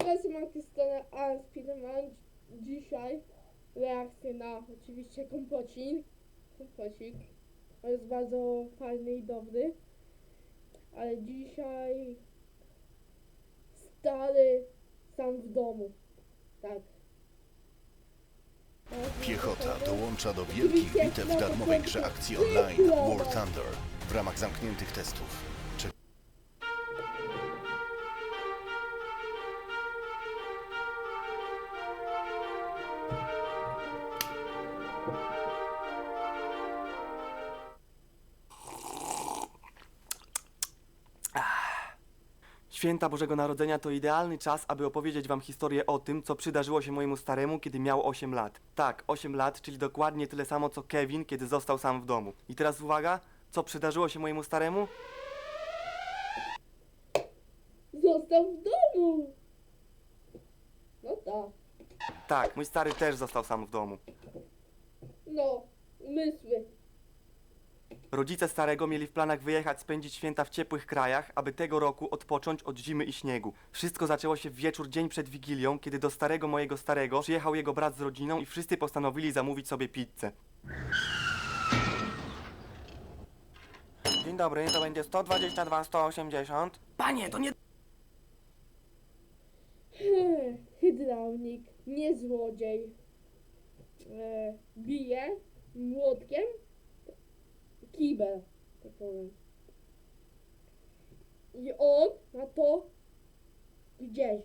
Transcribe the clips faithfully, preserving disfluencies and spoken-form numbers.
Cześć, mam stronę Spiderman. Dzisiaj reakcję na oczywiście kompocik. Kompocik. On jest bardzo fajny i dobry. Ale dzisiaj stary sam w domu. Tak. Piechota dołącza do wielkich bitew w darmowej grze akcji online War Thunder w ramach zamkniętych testów. Czy Święta Bożego Narodzenia to idealny czas, aby opowiedzieć wam historię o tym, co przydarzyło się mojemu staremu, kiedy miał osiem lat. Tak, osiem lat, czyli dokładnie tyle samo co Kevin, kiedy został sam w domu. I teraz uwaga, co przydarzyło się mojemu staremu? Został w domu. No tak. Tak, mój stary też został sam w domu. No, umysły. Rodzice starego mieli w planach wyjechać spędzić święta w ciepłych krajach, aby tego roku odpocząć od zimy i śniegu. Wszystko zaczęło się w wieczór dzień przed Wigilią, kiedy do starego mojego starego przyjechał jego brat z rodziną i wszyscy postanowili zamówić sobie pizzę. Dzień dobry, to będzie sto dwadzieścia dwa, sto osiemdziesiąt. Panie, to nie... Hydraulik, nie złodziej. E, bije młotkiem kibel, tak powiem. I on ma to gdzieś.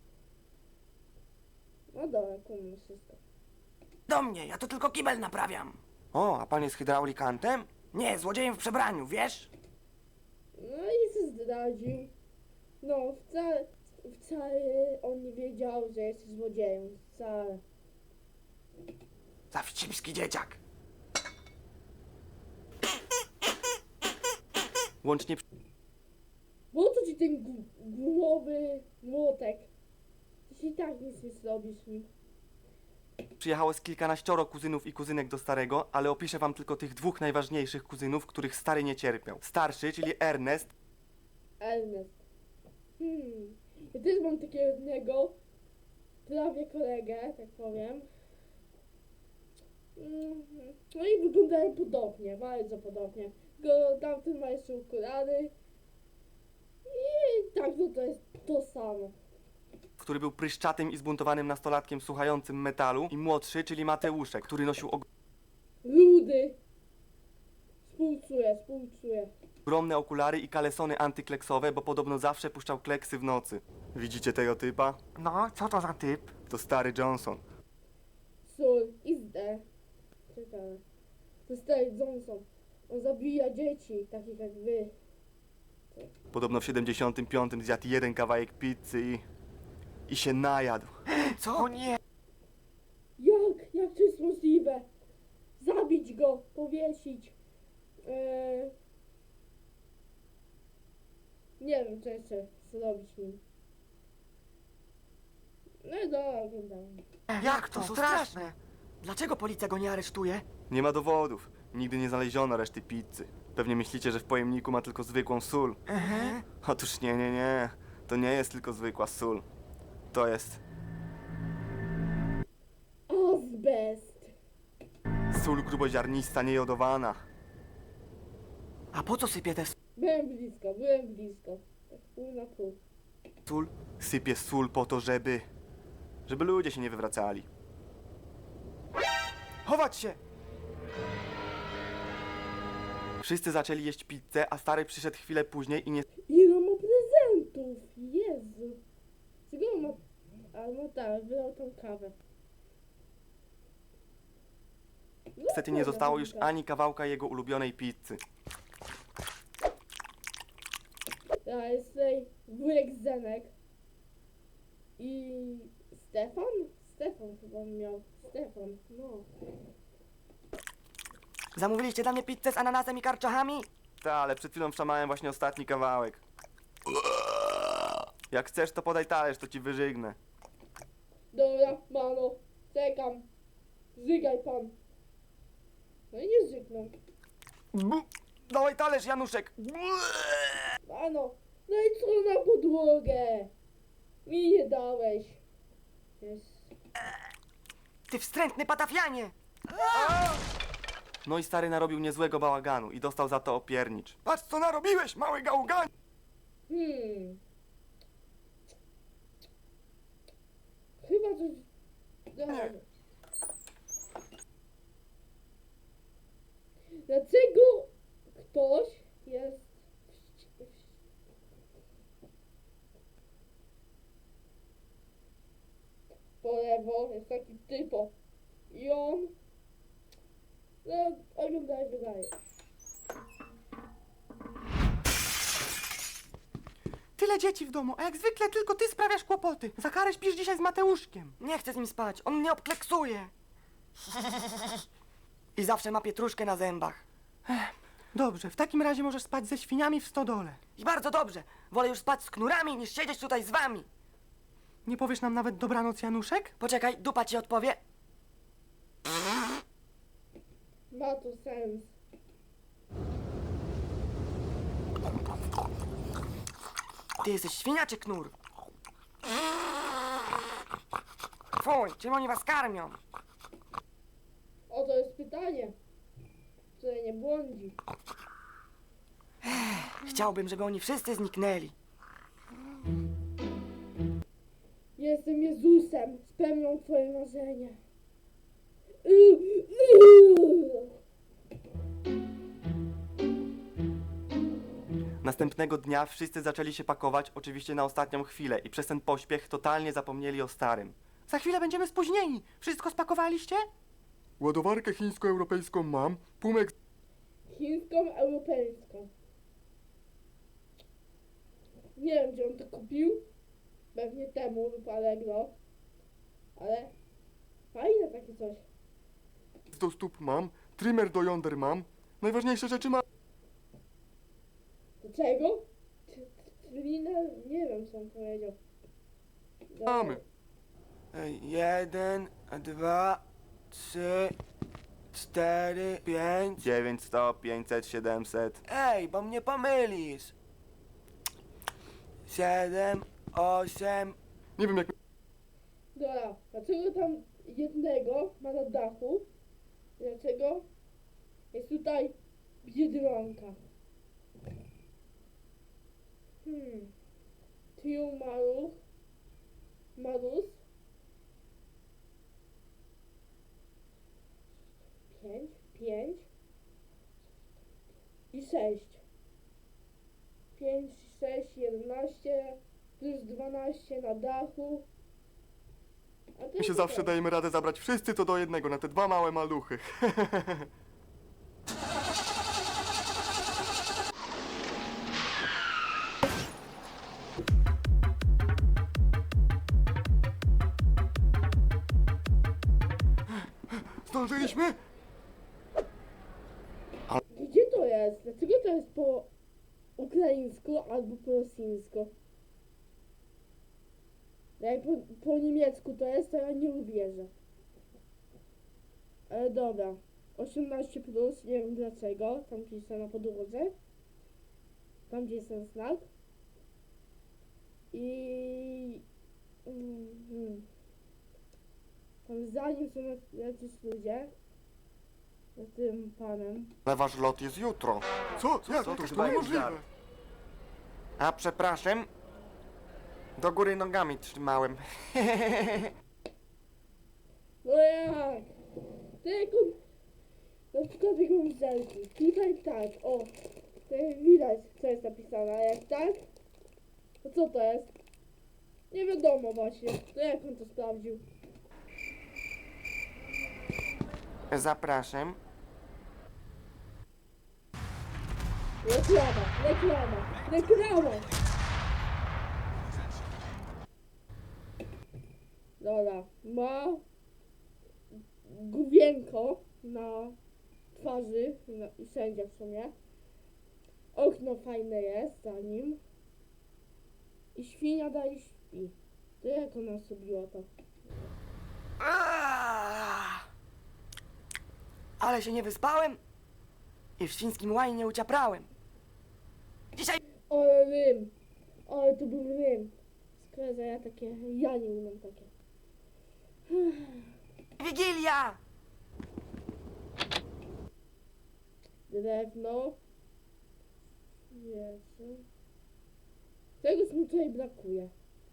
No dobra, kumam wszystko. Do mnie, ja to tylko kibel naprawiam. O, a pan jest hydraulikantem? Nie, złodziejem w przebraniu, wiesz? No i się zdradził. No, wcale, wcale on nie wiedział, że jest złodziejem. Wcale. Za wścibski dzieciak. Łącznie Po co ci ten gu- gumowy młotek? Ty się i tak nic nie zrobisz z nim. przyjechało z kilkanaścioro kuzynów i kuzynek do starego, ale opiszę wam tylko tych dwóch najważniejszych kuzynów, których stary nie cierpiał. Starszy, czyli Ernest, Ernest. Hmm. Ja też mam takiego jednego, prawie kolegę, tak powiem. Mhm. No i wyglądają podobnie, bardzo podobnie. Go tamten ma jeszcze okulary. I tak, no to jest to samo. który był pryszczatym i zbuntowanym nastolatkiem słuchającym metalu, i młodszy, czyli Mateuszek, który nosił Rudy. Współczuję, współczuję. ogromne okulary i kalesony antykleksowe, bo podobno zawsze puszczał kleksy w nocy. Widzicie tego typa? No, co to za typ? To stary Johnson. Sól i zde. Ciekawe. To stary Johnson. On zabija dzieci, takich jak wy. Podobno w siedemdziesiątym piątym zjadł jeden kawałek pizzy i... i się najadł. Co? O nie! Jak? Jak to jest możliwe? Zabić go, powiesić. Eee... Nie wiem, co jeszcze zrobić nim. No i dobra, oglądamy. Jak to? To straszne! Dlaczego policja go nie aresztuje? Nie ma dowodów. Nigdy nie znaleziono reszty pizzy. Pewnie myślicie, że w pojemniku ma tylko zwykłą sól. Aha. Otóż nie, nie, nie. To nie jest tylko zwykła sól. To jest Azbest. sól gruboziarnista, niejodowana. A po co sypie tę Byłem blisko, byłem blisko. Tak pół na pół. sól? Sypie sól po to, żeby... żeby ludzie się nie wywracali. Chować się! Wszyscy zaczęli jeść pizzę, a stary przyszedł chwilę później i nie... Ile ma prezentów? Jezu. Czego on ma... A no tak, wylał tą kawę. No Niestety nie dobra, zostało już dobra. ani kawałka jego ulubionej pizzy. Ja jest tutaj wujek Zenek. I... Stefan? Stefan chyba miał. Stefan, no. Zamówiliście dla mnie pizzę z ananasem i karczochami? Tak, ale przed chwilą wszamałem właśnie ostatni kawałek. Jak chcesz, to podaj talerz, to ci wyżygnę. Dobra, mano. Czekam. Żygaj pan. No i nie żygnął. Dawaj talerz, Januszek! Mano. No i co na podłogę? Mi nie dałeś. Jest. Ty wstrętny patafianie! No i stary narobił niezłego bałaganu i dostał za to opiernicz. Patrz co narobiłeś, mały gałganie! Hmm. Chyba coś... Dobra. Dlaczego ktoś jest... w- w- Po lewo jest taki typo. I on... No, oglądaj, wydaje. Tyle dzieci w domu, a jak zwykle tylko ty sprawiasz kłopoty. Za karę śpisz dzisiaj z Mateuszkiem. Nie chcę z nim spać, on mnie obkleksuje. I zawsze ma pietruszkę na zębach. Dobrze, w takim razie możesz spać ze świniami w stodole. I bardzo dobrze, wolę już spać z knurami niż siedzieć tutaj z wami. Nie powiesz nam nawet dobranoc, Januszek? Poczekaj, dupa ci odpowie. Ma to sens. Ty jesteś świnia czy knur? Fuj, czym oni was karmią? O, to jest pytanie, które nie błądzi. Chciałbym, żeby oni wszyscy zniknęli. Jestem Jezusem, spełnią twoje marzenia. Yy, yy. Następnego dnia wszyscy zaczęli się pakować, oczywiście na ostatnią chwilę i przez ten pośpiech totalnie zapomnieli o starym. Za chwilę będziemy spóźnieni. Wszystko spakowaliście? Ładowarkę chińsko-europejską mam, pumek Chińską, europejską. Nie wiem, gdzie on to kupił. Pewnie temu lub Allegro. Ale fajne takie coś. do stóp mam, trimmer do jąder mam, najważniejsze rzeczy mam. Do czego? Czy- Czyli na... nie wiem, co on powiedział. Dobra. Mamy. Jeden, dwa, trzy, cztery, pięć. dziewięć, sto, pięćset, siedemset. Ej, bo mnie pomylisz. Siedem, osiem. Nie wiem jak Dobra, dlaczego tam jednego ma na dachu? Dlaczego jest tutaj biedronka? Hmm. Tiu Maruch. Marus. Pięć, pięć. I sześć. Pięć, sześć, jedenaście. Plus dwanaście na dachu. A to my się jest zawsze okej. dajemy radę zabrać wszyscy to do jednego, na te dwa małe maluchy. Zdążyliśmy? Gdzie to jest? Dlaczego to jest po ukraińsku albo po rosyjsku? Jak po, po niemiecku to jest, to ja nie uwierzę. Ale dobra. osiemnaście plus, nie wiem dlaczego. Tam piszę na podłodze. Tam gdzie jest ten znak. I... Mhm. Tam za nim są jacyś ludzie. Za tym panem. Ale wasz lot jest jutro. Co? Jak co to? ty To chyba niemożliwe. jest A przepraszam. Do góry nogami trzymałem. No jak? To jak on... Na przykład jak mam zelki. Tutaj tak, o. To widać, co jest napisane. A jak tak? To co to jest? Nie wiadomo właśnie. To jak on to sprawdził? Zapraszam. Reklama, reklama, reklama! Dobra, ma główienko na twarzy na, i wszędzie w sumie. Okno fajne jest za nim. I świnia dalej śpi. To jak ona zrobiła to? Aaaa! Ale się nie wyspałem i w świńskim łajnie nie uciaprałem. Dzisiaj Ale rym! Ale to był rym! Szkoda, że ja takie, ja nie umiem takie. Wigilia! Drewno. Jezu. Tego mi tutaj brakuje.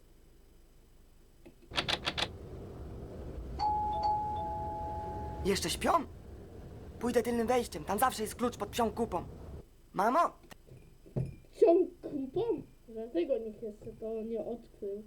Jeszcze śpią? Pójdę tylnym wejściem, tam zawsze jest klucz pod psią kupą. Mamo, Ciąg kupą? Dlatego nikt jeszcze to nie odkrył.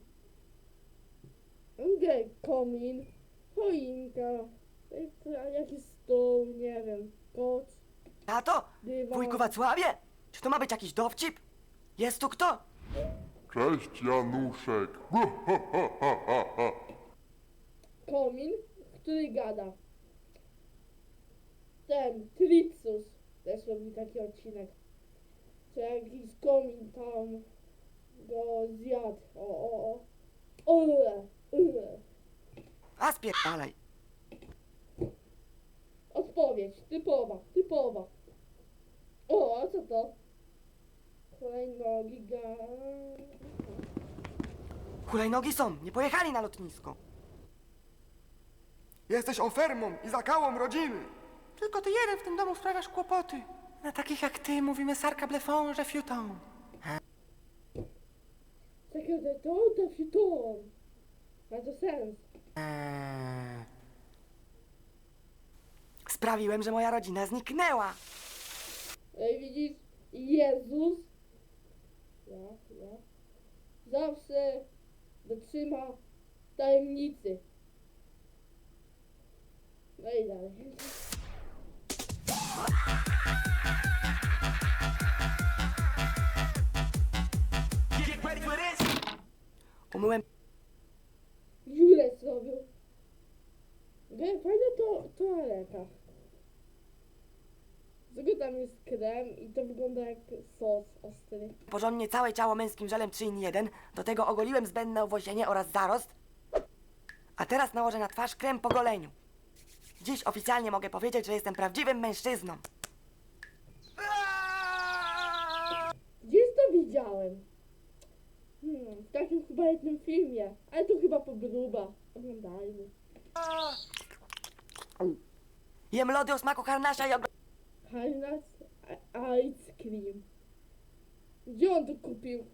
Okej, komin, choinka, e, jakiś stół, nie wiem, koc, tato, dywan. wujku Wacławie, czy to ma być jakiś dowcip? Jest tu kto? Cześć, Januszek. Ha, ha, ha, ha, ha, ha. Komin, który gada. Ten, Tricus, też robi taki odcinek. Czy jakiś komin tam go zjadł. O, o, o. Ule, ule. A spierdalaj. Odpowiedź, typowa, typowa. O, a co to? Hulajnogi, ga... Hulajnogi są, nie pojechali na lotnisko. Jesteś ofermą i zakałą rodziny. Tylko ty jeden w tym domu sprawiasz kłopoty. Na takich jak ty mówimy sarka blefon, że fiuton. Czekaj, to, to się to. Ma to sens. Eee. Sprawiłem, że moja rodzina zniknęła. Ej, widzisz? Jezus. Ja, ja. Zawsze dotrzyma tajemnicy. No i dalej. Umyłem Dziurę zrobił. Gdzie fajna to toaleta. Tylko tam jest krem i to wygląda jak sos ostry. porządnie całe ciało męskim żelem trzy in jeden, do tego ogoliłem zbędne owłosienie oraz zarost. A teraz nałożę na twarz krem po goleniu. Dziś oficjalnie mogę powiedzieć, że jestem prawdziwym mężczyzną. Gdzieś to widziałem? Hmm, w takim chyba jednym filmie. Ale to chyba podróba. Oglądajmy. Jem lody o smaku harnasia i og... Harnas Ice Cream. Gdzie on to kupił?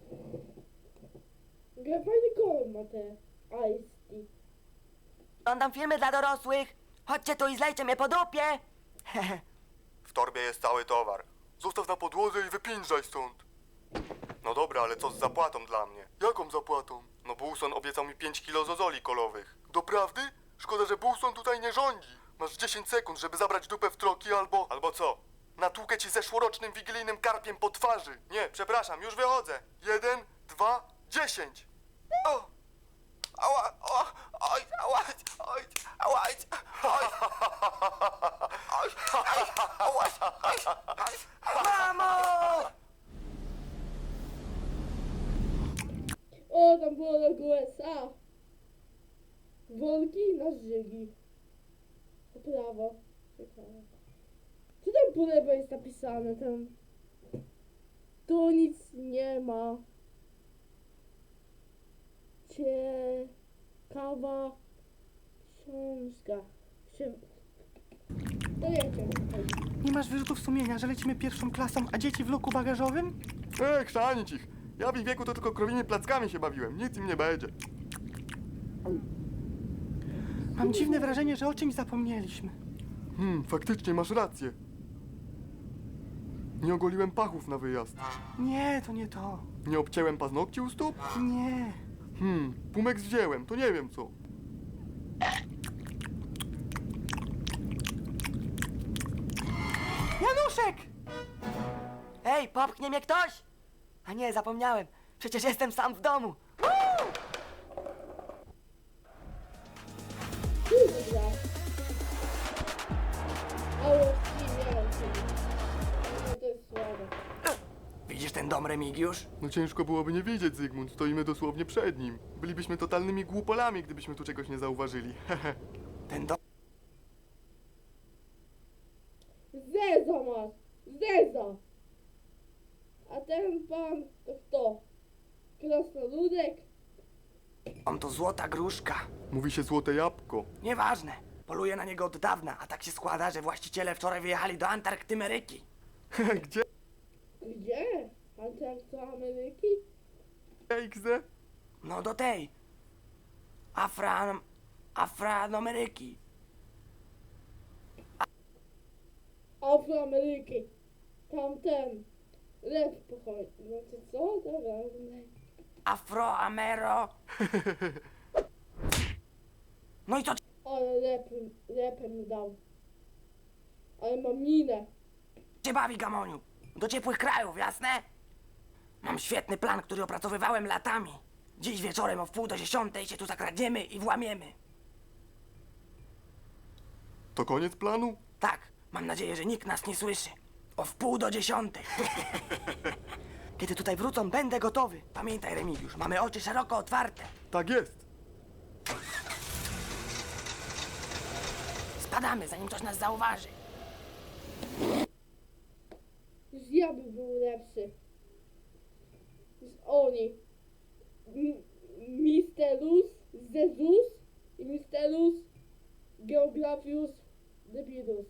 Jak fajny kolor ma te Ice Tea. Oglądam filmy dla dorosłych. Chodźcie tu i zlejcie mnie po dupie. W torbie jest cały towar. Zostaw na podłodze i wypiędzaj stąd. No dobra, ale co z zapłatą dla mnie? Jaką zapłatą? No Bulson obiecał mi pięć kilo zozoli kolowych. Doprawdy? Szkoda, że Bulson tutaj nie rządzi. Masz dziesięć sekund, żeby zabrać dupę w troki albo... Albo co? Natłukę ci zeszłorocznym wigilijnym karpiem po twarzy. Nie, przepraszam, już wychodzę. Jeden, dwa, dziesięć. O! Ała, ała, oj, ała, oj, ała, oj, oj, oj, oj, Mamo! O, tam było logo U S A. Wolki na żygi. Po prawo. Ciekawe. Co tam po lewo jest napisane? Tam... Tu nic nie ma. Ciekawa książka. Księ... To nie wiem, Nie masz wyrzutów sumienia, że lecimy pierwszą klasą, a dzieci w loku bagażowym? Ech, chrzanić ich. Ja w ich wieku to tylko krowimi plackami się bawiłem. Nic im nie będzie. Mam dziwne wrażenie, że o czymś zapomnieliśmy. Hmm, faktycznie masz rację. Nie ogoliłem pachów na wyjazd. Nie, to nie to. Nie obcięłem paznokci u stóp? Nie. Hmm, pumek wziąłem, to nie wiem co. Januszek! Ej, popchnie mnie ktoś? A nie, zapomniałem. Przecież jestem sam w domu. Kurwa. Ale śmiałem się. No to jest słabe. Widzisz ten dom, Remigiusz? No ciężko byłoby nie widzieć, Zygmunt. Stoimy dosłownie przed nim. Bylibyśmy totalnymi głupolami, gdybyśmy tu czegoś nie zauważyli. Ten dom... Zeza masz! Zeza! A ten pan to kto? Krasnoludek? On to złota gruszka. Mówi się złote jabłko. Nieważne. Poluję na niego od dawna, a tak się składa, że właściciele wczoraj wyjechali do Antarktymeryki. Gdzie? Gdzie? Antarktymeryki? X D? No do tej. Afran... Afroameryki. Afroameryki. Tamten. Lew pochodzi. Znaczy co? Dobra. Afroamero... No i co Ale lepem, lepem mi dał. Ale mam minę. cię bawi, Gamoniu? Do ciepłych krajów, jasne? Mam świetny plan, który opracowywałem latami. Dziś wieczorem o wpół do dziesiątej się tu zakradniemy i włamiemy. To koniec planu? Tak, mam nadzieję, że nikt nas nie słyszy. O wpół do dziesiątej. Kiedy tutaj wrócą, będę gotowy. Pamiętaj, Remigiusz, mamy oczy szeroko otwarte. Tak jest. Spadamy, zanim ktoś nas zauważy. Już ja bym był lepszy. Niż oni. M- Mistelus, Zezus i Mistelus, Geografius, Debilus.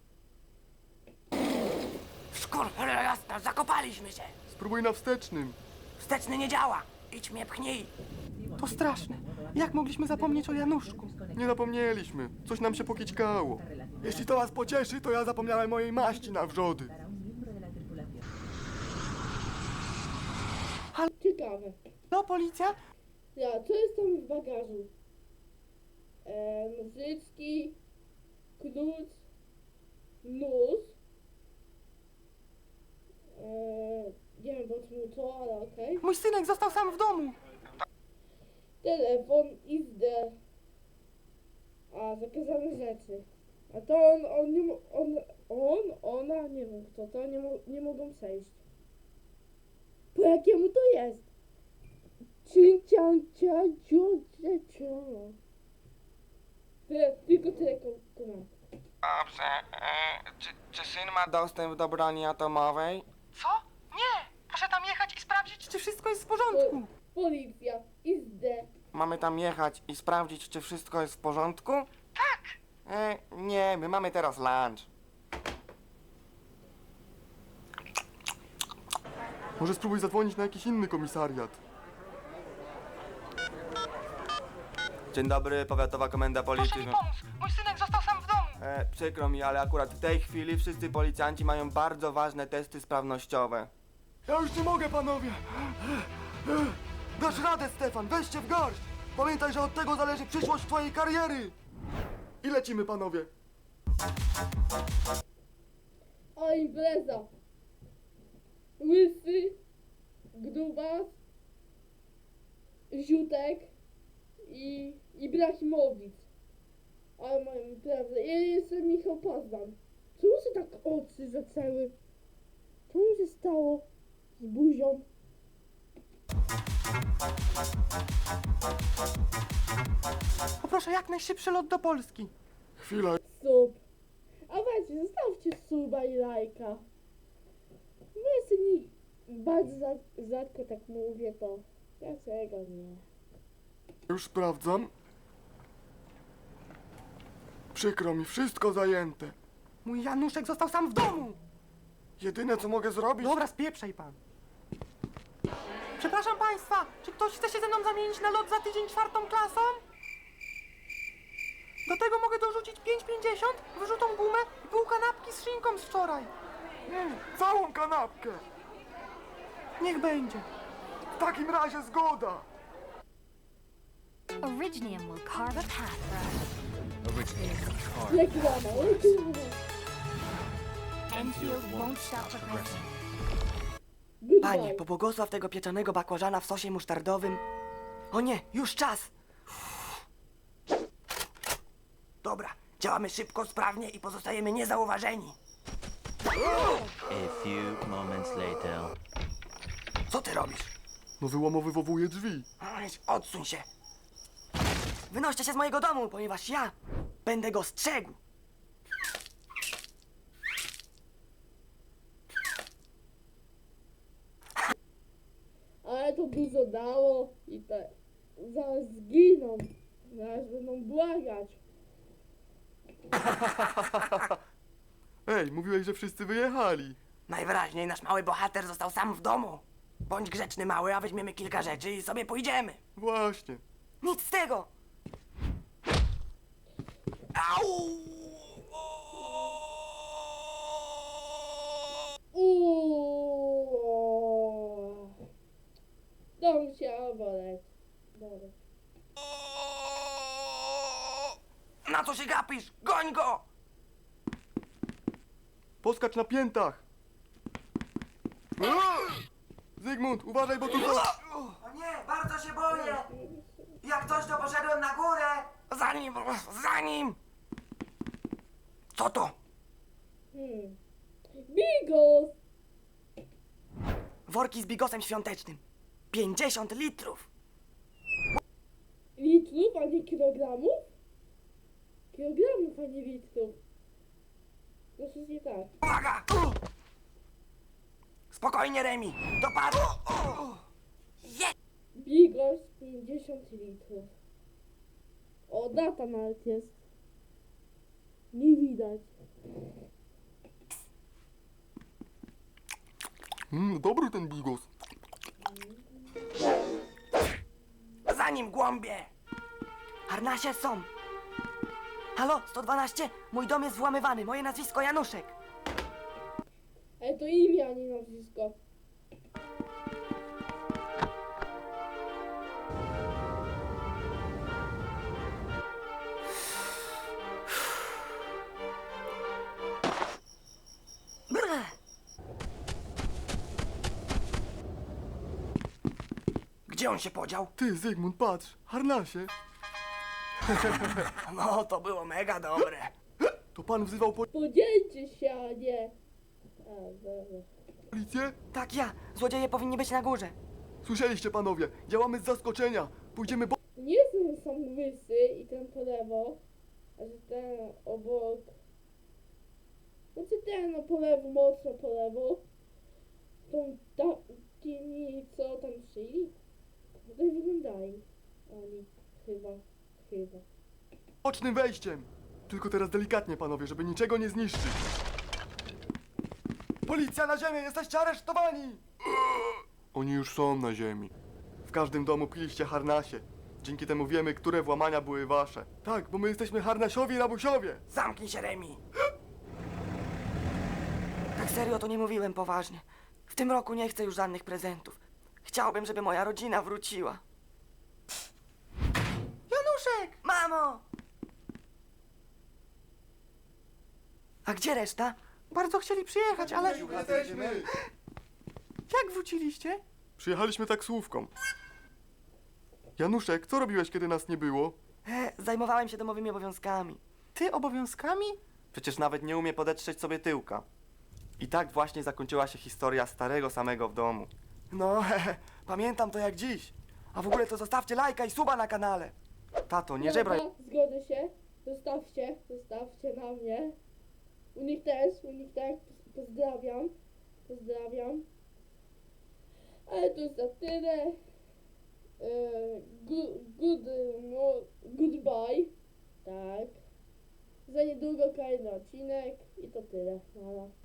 Szkurchle jasno, zakopaliśmy się. Spróbuj na wstecznym. Wsteczny nie działa. Idź mnie pchnij. To straszne. Jak mogliśmy zapomnieć o Januszku? Nie zapomnieliśmy. Coś nam się pokićkało. Jeśli to was pocieszy, to ja zapomniałem mojej maści na wrzody. Ciekawe. No, policja? Ja, co jest tam w bagażu? E, Nożyczki, klucz, nóż. E, nie wiem po czym to, ale okej. Mój synek został sam w domu. Telefon, izdę. A, zakazane rzeczy. A to on, on nie mo- on, on, ona, nie wiem kto to, nie, mo- nie mogą przejść. Po jakiemu to jest? Cin, cian, cia, ciu, cia, cia. Tyle, tylko tyle ko- komand. Dobrze, e, czy, czy syn ma dostęp do broni atomowej? Co? Nie! Proszę tam jechać i sprawdzić, czy wszystko jest w porządku. Po, policja, izdę. Mamy tam jechać i sprawdzić, czy wszystko jest w porządku? Tak! E, nie, my mamy teraz lunch. Może spróbuj zadzwonić na jakiś inny komisariat. Dzień dobry, powiatowa komenda Proszę policji. mi pomóc. Mój synek został sam w domu. E, przykro mi, ale akurat w tej chwili wszyscy policjanci mają bardzo ważne testy sprawnościowe. Ja już nie mogę, panowie! Dasz radę, Stefan, weź się w garść! Pamiętaj, że od tego zależy przyszłość twojej kariery! I lecimy, panowie! A impreza. Łysy, grubas, ziutek i Ibrahimowicz. Ale mają imprezę. Ja jestem Michał Pazdan. Czemu się tak oczy zaczęły? Co mi się stało z buzią? Poproszę jak najszybszy lot do Polski. Chwila, Sub. A weźcie, zostawcie suba i lajka. No jeszcze nie bardzo rzad- rzadko tak mówię, to dlaczego nie? już sprawdzam. Przykro mi, wszystko zajęte. Mój Januszek został sam w domu. Jedyne, co mogę zrobić... Dobra, spieprzaj pan. Przepraszam państwa, czy ktoś chce się ze mną zamienić na lot za tydzień czwartą klasą? Do tego mogę dorzucić pięć pięćdziesiąt, wyrzutą gumę i pół kanapki z szynką z wczoraj. Mm, całą kanapkę! Niech będzie. W takim razie zgoda! Originium will carve a path for us. Reklama, reklama. Enfield won't stop progressing. Panie, Goodbye. pobłogosław tego pieczonego bakłażana w sosie musztardowym. O nie, już czas. Dobra, działamy szybko, sprawnie i pozostajemy niezauważeni. A few moments later. Co ty robisz? No wyłamowywowuję drzwi. Aleś, odsuń się. Wynoście się z mojego domu, ponieważ ja będę go strzegł. Ale to dużo dało i tak. zaraz zginą. Zaraz będą błagać. Ej, mówiłeś, że wszyscy wyjechali. Najwyraźniej nasz mały bohater został sam w domu. Bądź grzeczny mały, a weźmiemy kilka rzeczy i sobie pójdziemy. Właśnie. Nic z tego! Au! Uuuu. To musiało boleć. Boleć. Na co się gapisz? Goń go! Poskacz na piętach. Zygmunt, uważaj, bo tu są... O nie, bardzo się boję! Jak coś, to poszedłem na górę! Za nim, za nim! Co to? Hmm. Bigos! Worki z bigosem świątecznym. pięćdziesiąt litrów. Litrów, a nie kilogramów? Kilogramów, a nie litrów. To jest nie tak. Uwaga! Spokojnie, Remi. Dopadł. Bigos pięćdziesiąt litrów. O, data nawet jest. Nie widać. Mm, dobry ten bigos. Za nim, głąbie! Harnasie są. Halo, sto dwanaście? Mój dom jest włamywany. Moje nazwisko Januszek. Ale to imię, a nie nazwisko. Brr. Gdzie on się podział? Ty, Zygmunt, patrz. Harnasie. No, to było mega dobre. To pan wzywał Podzielcie się, a nie. A, dobra. policję? Tak, ja. Złodzieje powinni być na górze. Słyszeliście, panowie. Działamy z zaskoczenia. Pójdziemy bo... Nie jestem sam łysy i ten po lewo, a że ten obok. Znaczy ten no po lewo, mocno po lewo. Tą takimi, co tam szyli. No tak wyglądają. Oni chyba, chyba. bocznym wejściem. Tylko teraz delikatnie, panowie, żeby niczego nie zniszczyć. Policja na ziemię! Jesteście aresztowani! Oni już są na ziemi. W każdym domu piliście harnasie. Dzięki temu wiemy, które włamania były wasze. Tak, bo my jesteśmy harnasiowi rabusiowie. Zamknij się, Remi. Tak serio to nie mówiłem poważnie. W tym roku nie chcę już żadnych prezentów. Chciałbym, żeby moja rodzina wróciła. Januszek! Mamo! A gdzie reszta? Bardzo chcieli przyjechać, ale Jesteśmy. jak wróciliście? Przyjechaliśmy taksówką. Januszek, co robiłeś, kiedy nas nie było? E, zajmowałem się domowymi obowiązkami. Ty obowiązkami? Przecież nawet nie umie podetrzeć sobie tyłka. I tak właśnie zakończyła się historia starego samego w domu. No, hehe, pamiętam to jak dziś. A w ogóle to zostawcie lajka i suba na kanale. Tato, nie żebraj. Dobra, zgodzę się. Zostawcie, zostawcie na mnie. U nich też, u nich też. Pozdrawiam. Pozdrawiam. Ale to jest na tyle. Yy, good, good, no, goodbye. Tak. Za niedługo kolejny odcinek i to tyle. Nara.